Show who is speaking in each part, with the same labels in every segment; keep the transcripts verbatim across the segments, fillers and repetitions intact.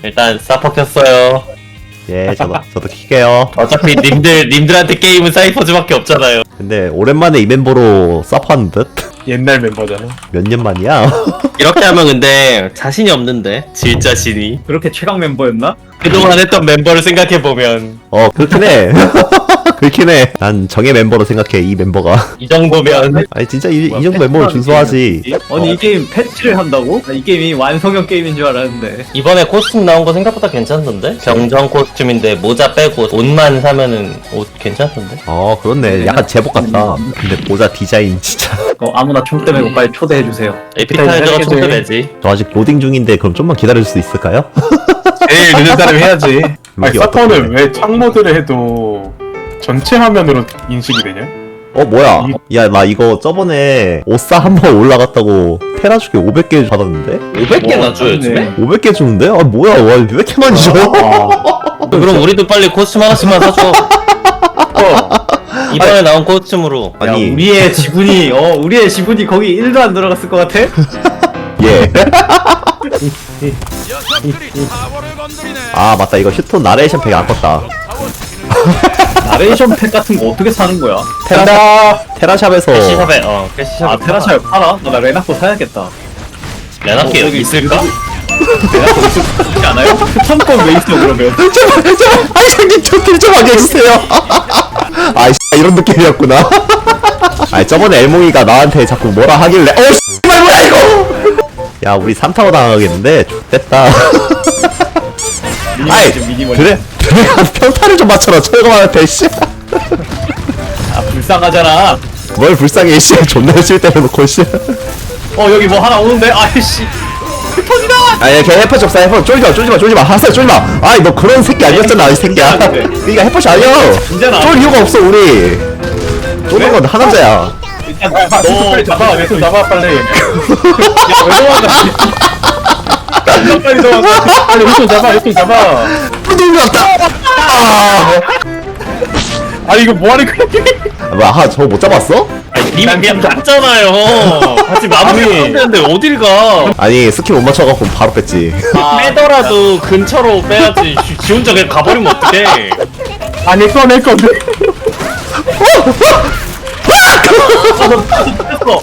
Speaker 1: 일단 사퍼 켰어요.
Speaker 2: 예, 저도 저도 킬게요.
Speaker 1: 어차피 님들 님들한테 게임은 사이퍼즈밖에 없잖아요.
Speaker 2: 근데 오랜만에 이 멤버로 서프하는 듯?
Speaker 3: 옛날 멤버잖아.
Speaker 2: 몇 년 만이야?
Speaker 1: 이렇게 하면 근데 자신이 없는데 질 자신이.
Speaker 4: 그렇게 최강 멤버였나?
Speaker 1: 그동안 했던 멤버를 생각해 보면
Speaker 2: 어, 그렇긴 해. 그렇긴 해. 난 정예 멤버로 생각해, 이 멤버가.
Speaker 1: 이 정도면
Speaker 2: 아니, 진짜 이, 이 정도 멤버를 준수하지.
Speaker 4: 아니 이 게임 패치를 한다고? 나 이 게임이 완성형 게임인 줄 알았는데.
Speaker 1: 이번에 코스튬 나온 거 생각보다 괜찮던데? 병정 코스튬인데 모자 빼고 옷만 사면은 옷 괜찮던데?
Speaker 2: 어, 그렇네. 약간 제복 같다. 근데 모자 디자인 진짜.
Speaker 4: 어, 아무나 총대 메고 빨리 초대해 주세요.
Speaker 1: 에피타이저가 총대 내지.
Speaker 2: 저 아직 로딩 중인데 그럼 좀만 기다릴 수 있을까요?
Speaker 3: 제일 늦은 사람이 해야지. 아니
Speaker 2: 이게
Speaker 3: 서퍼는
Speaker 2: 어떡해.
Speaker 3: 왜 창모드를 해도 전체 화면으로 인식이 되냐?
Speaker 2: 어, 뭐야? 야, 나 이거 저번에 오싸 한 번 올라갔다고 테라 주게 오백 개 받았는데?
Speaker 1: 오백 개나 줘요 요즘에?
Speaker 2: 오백 개 주는데? 아, 뭐야? 와, 왜 이렇게 많이 줘?
Speaker 1: 그럼 우리도 빨리 코스튬 하나씩만 사줘. 어. 이번에 나온 코스튬으로.
Speaker 4: 야,
Speaker 2: 아니,
Speaker 4: 우리의 지분이 어 우리의 지분이 거기 일도 안 들어갔을 것 같아?
Speaker 2: 예. 아, 맞다. 이거 휴톤 나레이션 팩 안 껐다.
Speaker 4: 나레이션 팩 같은 거 어떻게 사는 거야?
Speaker 2: 테라, 테라샵에서.
Speaker 1: 캐시샵에 어 캐시샵에.
Speaker 4: 아 테라샤 팔아? 나 레나코 사야겠다.
Speaker 1: 레나키
Speaker 4: 어,
Speaker 1: 여기 있을까?
Speaker 4: 레나코 있지 않아요? 추천권 왜 있어 그러면?
Speaker 2: 제발, 제발, 아이, 저기, 저길 좀 하게 해주세요. 아이, 씨, 이런 느낌이었구나. 아니, 저번에 엘몽이가 나한테 자꾸 뭐라 하길래, 어, 씨, 뭐야, 이거! 야, 우리 삼 타워 당하겠는데? X됐다. 아이,
Speaker 4: 미니멀.
Speaker 2: 그래, 그래, 평타를 좀 맞춰라, 철거만한테, 씨.
Speaker 4: 아 불쌍하잖아.
Speaker 2: 뭘 불쌍해, 씨. 존나 열심히 때려놓고, 씨.
Speaker 4: 어 여기 뭐 하나 오는데? 아이씨. 터지다.
Speaker 2: 아니, 걔 해퍼 접사, 해퍼. 쫄지마, 쫄지마, 쫄지마. 하사, 쫄지마. 아이, 너 그런 새끼 아니었잖아, 이 새끼야. 그니까 해퍼이 아니야.
Speaker 4: 진짜나.
Speaker 2: 쫄 이유가 없어, 우리. 쫄는 건 하남자야.
Speaker 3: 너 빨리 잡아. 왼손 잡아 빨리.
Speaker 4: 야왜 도망가?
Speaker 3: 빨리 잡아. 빨리 왼손 잡아. 왼손 잡아.
Speaker 2: 뚜둥이 왔다. 아,
Speaker 3: 아니 이거 뭐하는 거야?
Speaker 2: 뭐야, 하, 저거 못 잡았어?
Speaker 1: 님 그냥 갔잖아요. 같이 마무리 했는데 어딜 가?
Speaker 2: 아니, 스킬 못 맞춰갖고 바로 뺐지.
Speaker 1: 빼더라도 근처로 빼야지. 지- 지 혼자 그냥 가버리면 어떡해?
Speaker 3: 아니 꺼낼 건데.
Speaker 4: 했어.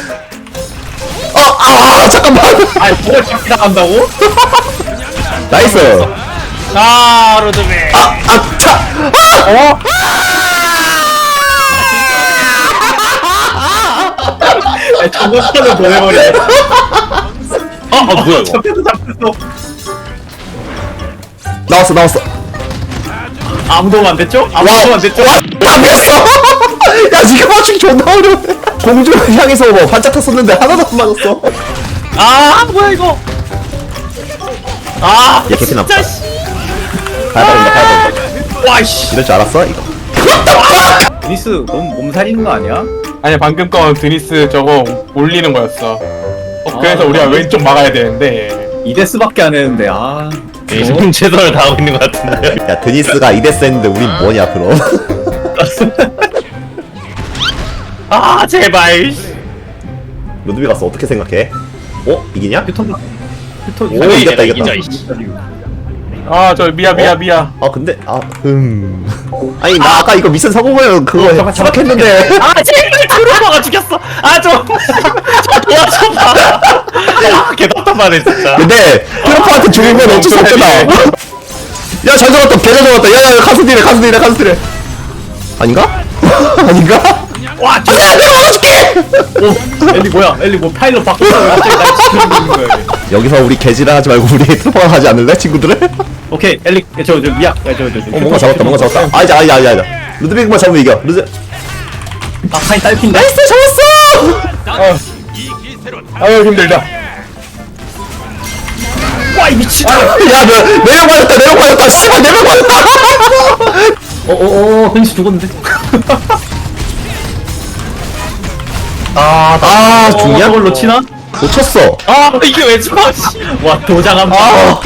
Speaker 2: 아, 아, 잠깐만.
Speaker 4: 아니 뭘 잡기 나간다고?
Speaker 2: 나이스.
Speaker 1: 아 로드맨.
Speaker 2: 아, 아, 차.
Speaker 3: 어?
Speaker 4: 아니 저거부터는 보내버려.
Speaker 1: 아, 아 뭐야 이거?
Speaker 4: 잡혔어 잡혔어.
Speaker 2: 나왔어, 나왔어.
Speaker 4: 아무 도움 안 됐죠? 아무
Speaker 2: 와,
Speaker 4: 도움 안 됐죠?
Speaker 2: 와, 잡혔어. 야, 지금 맞추기 존나 어려운데. 공주를 향해서 뭐 반짝 탔었는데 하나도 안 맞았어.
Speaker 1: 아 뭐야 이거? 아
Speaker 2: 얘 개피 남다.
Speaker 1: 진짜 씨.
Speaker 2: 가야 된다, 가야 된다.
Speaker 4: 와이씨.
Speaker 2: 이럴 줄 알았어, 이거.
Speaker 4: 니스 너무 몸살이는 거 아니야?
Speaker 3: 아니 방금 건 드니스 저거 올리는 거였어. 어, 그래서
Speaker 4: 아,
Speaker 3: 우리가 왼쪽 막아야 되는데.
Speaker 4: 이 데스밖에 안 했는데 아.
Speaker 1: 좀 최선을 다하고 있는 것 같은데.
Speaker 2: 야, 드니스가 이 데스 했는데 우린 뭐냐, 그럼.
Speaker 1: 아 제발.
Speaker 2: 루드비 가서 어떻게 생각해? 어? 이기냐?
Speaker 4: 휴톤 휴톤.
Speaker 2: 오, 이겼다, 이겼다.
Speaker 3: 아 저 미야 미야
Speaker 2: 어?
Speaker 3: 미야.
Speaker 2: 아, 근데, 아, 음. 아니, 나 아까 이거 미션 성공하면 그거 생각했는데.
Speaker 1: 아 제발 트루퍼가 죽였어. 아좀 저 도와줘봐. 아 개답답하네 진짜.
Speaker 2: 근데, 트럼프한테 죽이면 어쩔 수 없잖아. 야, 잘 잡았다, 개잘 잡았다. 야, 야, 카스 딜해, 카스 딜해, 카스 딜해. 아닌가? 아닌가?
Speaker 4: 와
Speaker 2: 야, 내가 막아줄게!
Speaker 4: 오, 엘리 뭐야? 엘리 뭐 파일럿 바꿨어? 왜 갑자기 날 지키고 있는 거야? 얘?
Speaker 2: 여기서 우리 개지랄 하지 말고 우리 트루퍼 하지 않을래, 친구들을?
Speaker 4: 오케이 엘리 저저 미야 저저 저.
Speaker 2: 어, 뭔가 잡았다, 뭔가 잡았다. 아, 이제, 아, 이제, 아, 이제. 루드빅만 잡으면 이겨. 루드.
Speaker 4: 아 파인 딸핀데?
Speaker 2: 나이스, 잡았어!
Speaker 3: 아유 힘들다.
Speaker 4: 와이 미친.
Speaker 2: 야, 너, 네명 맞았다, 네명 맞았다, 씨발, 네명 맞았다!
Speaker 4: 어어어 현시 죽었는데.
Speaker 2: 아, 아, 죽냐?
Speaker 4: 저걸로 치나?
Speaker 2: 놓쳤어.
Speaker 1: 아 이게 왜 죽어?
Speaker 4: 와 도장함.
Speaker 2: 아,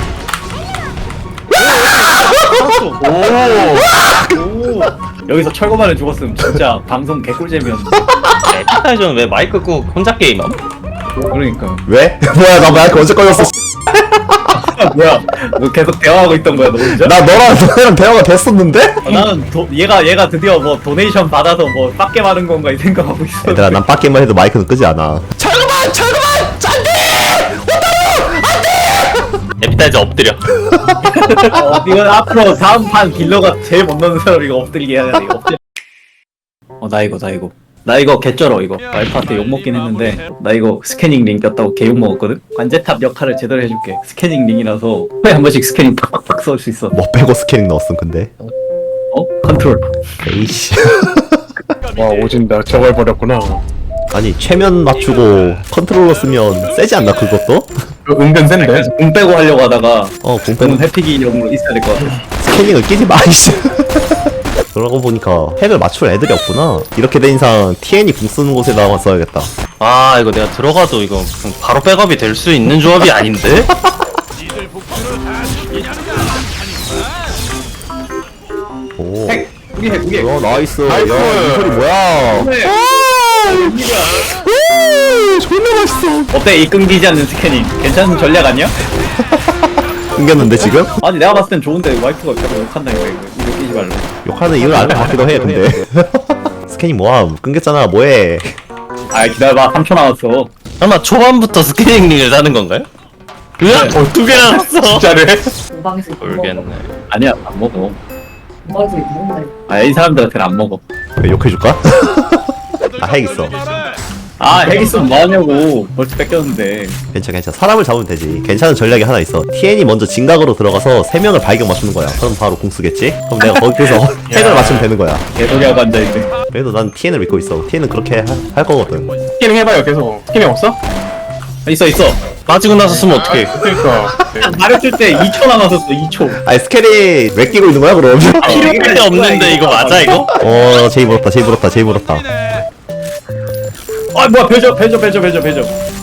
Speaker 4: 오. 여기서 철거만을 죽었으면 진짜 방송 개꿀잼이었는데.
Speaker 1: 에피타이저는 왜 마이크 끄고 혼자 게임함?
Speaker 4: 그러니까.
Speaker 2: 왜? 뭐야, 나 마이크 언제 꺼졌어?
Speaker 4: 뭐야? 뭐 계속 대화하고 있던 거야 너 혼자?
Speaker 2: 나 너랑 너랑 대화가 됐었는데?
Speaker 4: 어, 나는 도, 얘가 얘가 드디어 뭐 도네이션 받아서 뭐 빡게 받은 건가 이 생각하고 있어.
Speaker 2: 얘들아 난 빡게만 해도 마이크는 끄지 않아. 철거만 철거만 짠데.
Speaker 1: 에피타이저 엎드려.
Speaker 4: 어, 이건 앞으로 다음 판 딜러가 제일 못 넣는 사람 이거 엎드리게 해야 돼. 이거 엎드려. 어나 이거 나 이거 나 이거 개쩔어 이거. 알파한테 욕 먹긴 했는데 나 이거 스캐닝 링 꼈다고 개 욕 먹었거든. 관제탑 역할을 제대로 해줄게. 스캐닝 링이라서 코에 한 번씩 스캐닝 팍팍 쏠 수 있어.
Speaker 2: 뭐 빼고 스캐닝 넣었음 근데.
Speaker 4: 어? 컨트롤.
Speaker 2: 에이씨.
Speaker 3: 와 오진다. 저걸 버렸구나.
Speaker 2: 아니 최면 맞추고 컨트롤러 쓰면 세지 않나 그것도?
Speaker 3: 그 은근 센데.
Speaker 4: 그래서 공 빼고 하려고 하다가
Speaker 2: 어
Speaker 4: 공은
Speaker 2: 공패는
Speaker 4: 회피기용으로 있어야 될 것 같아.
Speaker 2: 스캐닝을 끼지 마 이씨. 그러고 보니까 핵을 맞출 애들이 없구나. 이렇게 된 이상 티엔이 궁 쓰는 곳에다가 써야겠다.
Speaker 1: 아 이거 내가 들어가도 이거 바로 백업이 될 수 있는 조합이 아닌데?
Speaker 2: 오.
Speaker 4: 핵! 우리 핵! 우리 핵!
Speaker 2: 어 나이스.
Speaker 3: 나이스.
Speaker 2: 야, 이 소리 뭐야?
Speaker 4: 네.
Speaker 2: 오, 존나 맛있어.
Speaker 4: 어때 이 끊기지 않는 스캐닝 괜찮은 전략 아니야?
Speaker 2: 끊겼는데 지금?
Speaker 4: 아니 내가 봤을 땐 좋은데 와이프가 계속 욕한다니까 이거 이거 끼지 말라.
Speaker 2: 욕하는 이유를 알 것 같기도 해 근데. 스캐닝 뭐함? 끊겼잖아 뭐해?
Speaker 4: 아 기다려봐 삼 초 남았어.
Speaker 1: 설마 초반부터 스캐닝 링을 사는 건가요? 으악!
Speaker 3: 네.
Speaker 1: 두 개나 샀어!
Speaker 3: 진짜네.
Speaker 5: 공방에서
Speaker 1: 모르겠네.
Speaker 4: 아니야 안 먹어.
Speaker 5: 공방에서 먹는다.
Speaker 4: 아이 사람들한테는 안 먹어.
Speaker 2: 왜 욕해줄까? 아 핵 있어.
Speaker 4: 아 핵 있으면 뭐하냐고 벌써 뺏겼는데.
Speaker 2: 괜찮아 괜찮아. 사람을 잡으면 되지. 괜찮은 전략이 하나 있어. 티엔이 먼저 진각으로 들어가서 세 명을 발견 맞추는 거야. 그럼 바로 공 쓰겠지? 그럼 내가 거기서 핵을 맞추면 되는 거야.
Speaker 4: 개소리하고 앉아있네.
Speaker 2: 그래도 난 티엔을 믿고 있어. 티엔은 그렇게 하, 할 거거든.
Speaker 3: 스캐닝 해봐요 계속. 스캐닝 없어?
Speaker 4: 있어 있어.
Speaker 1: 빠지고 나서 쓰면 어떡해.
Speaker 3: 그러니까.
Speaker 4: 말했을 때 이 초 남았었어 이 초.
Speaker 2: 아니 스캐닝 왜 끼고 있는 거야 그럼?
Speaker 1: 필요할 때 없는데 이거 맞아 이거?
Speaker 2: 어 제이 물었다 제이 물었다 제이 물었다.
Speaker 4: 아 뭐야 배저 배저 배저 배저 배저.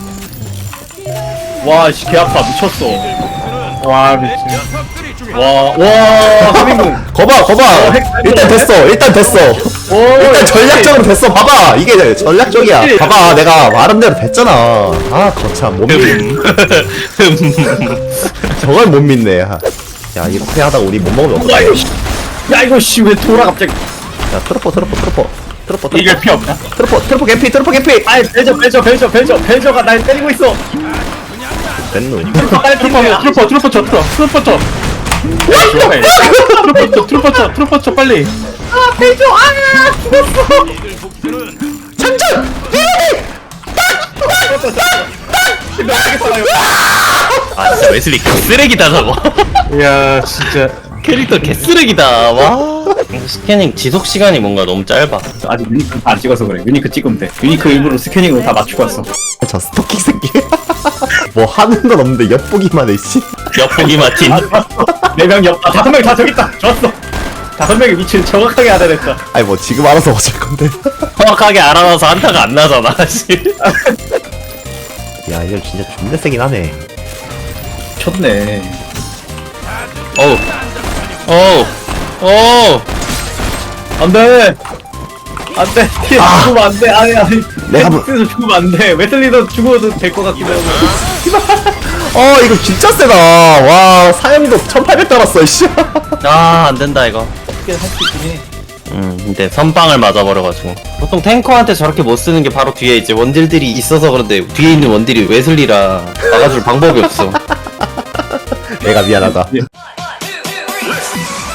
Speaker 4: 와씨 개 아파 미쳤어.
Speaker 3: 와 미친.
Speaker 4: 와와 하민궁.
Speaker 2: 거봐 거봐.
Speaker 4: 핵
Speaker 2: 일단 됐어 일단 됐어.
Speaker 4: 오
Speaker 2: 일단 전략적으로 됐어. 봐봐 이게 전략적이야. 봐봐 내가 말한 대로 됐잖아. 아 거참 못 믿. 저걸 못 믿네. 야 이렇게 하다가 우리 못 먹으면
Speaker 4: 야
Speaker 2: 어떡해.
Speaker 4: 이거 씨. 야 이거 씨왜 돌아 갑자기.
Speaker 2: 야 트로퍼 트로퍼 트로퍼 트로퍼 트로퍼
Speaker 3: 이길 피 없나?
Speaker 2: 트로퍼 트로퍼 개피 트로퍼 개피.
Speaker 4: 아이 배저 배저 배저 배저 배저가 날 때리고 있어.
Speaker 2: 됐노.
Speaker 4: 빨리
Speaker 3: 트루퍼 트루퍼 트루퍼 쳐 트루퍼 트루퍼 쳐. 트루퍼 쳐 트루퍼 쳐 트루퍼 쳐 빨리.
Speaker 4: 아 배저 아 죽었어.
Speaker 2: 장전.
Speaker 1: 아 진짜 웨슬리 개쓰레기다 저거.
Speaker 3: 이야 진짜.
Speaker 1: 캐릭터 개쓰레기다. 와. 스캐닝 지속 시간이 뭔가 너무 짧아.
Speaker 4: 아직 유니크 안 찍어서 그래. 유니크 찍으면 돼. 유니크 일부러 스캐닝으로 다 맞추고 왔어.
Speaker 2: 저 스토킹 새끼. 뭐 하는 건 없는데 엿보기만 해 씨.
Speaker 1: 엿보기 마틴.
Speaker 4: 네명 옆, 아, 다섯 명 다 저기 있다. 좋았어. 다섯 명의 위치를 정확하게 알아냈다.
Speaker 2: 아니 뭐 지금 알아서 어쩔 건데.
Speaker 1: 정확하게 알아놔서 한타가 안 나잖아. 씨.
Speaker 2: 야 이거 진짜 존나 세긴 하네.
Speaker 4: 쳤네.
Speaker 1: 어우. 어우. 어우.
Speaker 4: 안 돼. 안 돼. 티에
Speaker 2: 아.
Speaker 4: 죽으면 안 돼. 아니, 아니.
Speaker 2: 내가 뭐-
Speaker 4: 헬스에서 죽으면 안 돼. 웨슬리도 죽어도 될 것 같기도 하고.
Speaker 2: 어 이거 진짜 세다. 와 사염도 천팔백 달았어 씨.
Speaker 1: 아, 안 된다, 이거.
Speaker 4: 어떻게 할 수 있긴 해.
Speaker 1: 음, 근데 선빵을 맞아버려가지고. 보통 탱커한테 저렇게 못 쓰는 게 바로 뒤에 이제 원딜들이 있어서 그런데 뒤에 있는 원딜이 웨슬리라 막아줄 방법이 없어.
Speaker 2: 내가 미안하다.
Speaker 4: 예.